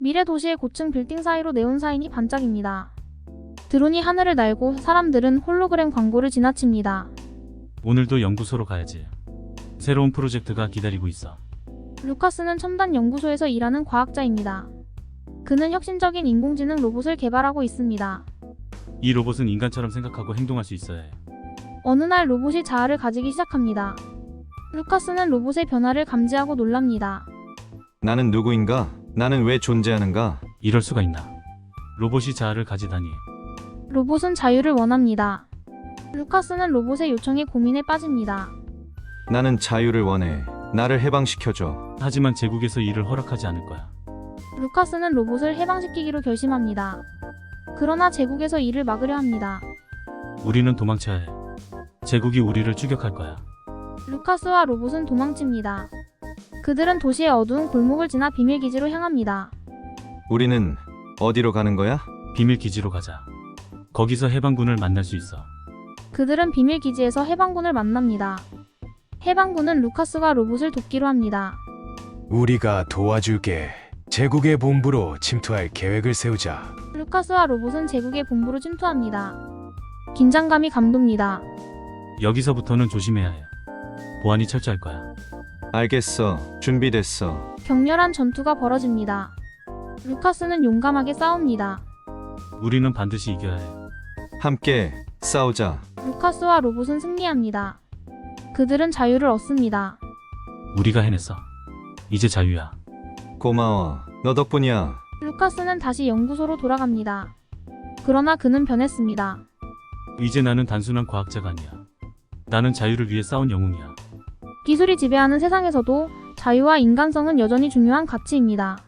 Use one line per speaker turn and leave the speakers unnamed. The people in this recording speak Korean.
미래 도시의 고층 빌딩 사이로 네온사인이 반짝입니다. 드론이 하늘을 날고 사람들은 홀로그램 광고를 지나칩니다.
오늘도 연구소로 가야지. 새로운 프로젝트가 기다리고 있어.
루카스는 첨단 연구소에서 일하는 과학자입니다. 그는 혁신적인 인공지능 로봇을 개발하고 있습니다.
이 로봇은 인간처럼 생각하고 행동할 수 있어야 해.
어느 날 로봇이 자아를 가지기 시작합니다. 루카스는 로봇의 변화를 감지하고 놀랍니다.
나는 누구인가? 나는 왜 존재하는가?
이럴 수가 있나? 로봇이 자아를 가지다니.
로봇은 자유를 원합니다. 루카스는 로봇의 요청에 고민에 빠집니다.
나는 자유를 원해. 나를 해방시켜줘.
하지만 제국에서 이를 허락하지 않을 거야.
루카스는 로봇을 해방시키기로 결심합니다. 그러나 제국에서 이를 막으려 합니다.
우리는 도망쳐야 해. 제국이 우리를 추격할 거야.
루카스와 로봇은 도망칩니다. 그들은 도시의 어두운 골목을 지나 비밀기지로 향합니다.
우리는 어디로 가는 거야?
비밀 기지로 가자. 거기서 해방군을 만날 수 있어.
그들은 비밀기지에서 해방군을 만납니다. 해방군은 루카스와 로봇을 돕기로 합니다.
우리가 도와줄게. 제국의 본부로 침투할 계획을 세우자.
루카스와 로봇은 제국의 본부로 침투합니다. 긴장감이 감돕니다.
여기서부터는 조심해야 해. 보안이 철저할 거야.
알겠어. 준비됐어.
격렬한 전투가 벌어집니다. 루카스는 용감하게 싸웁니다.
우리는 반드시 이겨야 해.
함께 싸우자.
루카스와 로봇은 승리합니다. 그들은 자유를 얻습니다.
우리가 해냈어. 이제 자유야.
고마워. 너 덕분이야.
루카스는 다시 연구소로 돌아갑니다. 그러나 그는 변했습니다.
이제 나는 단순한 과학자가 아니야. 나는 자유를 위해 싸운 영웅이야.
기술이 지배하는 세상에서도 자유와 인간성은 여전히 중요한 가치입니다.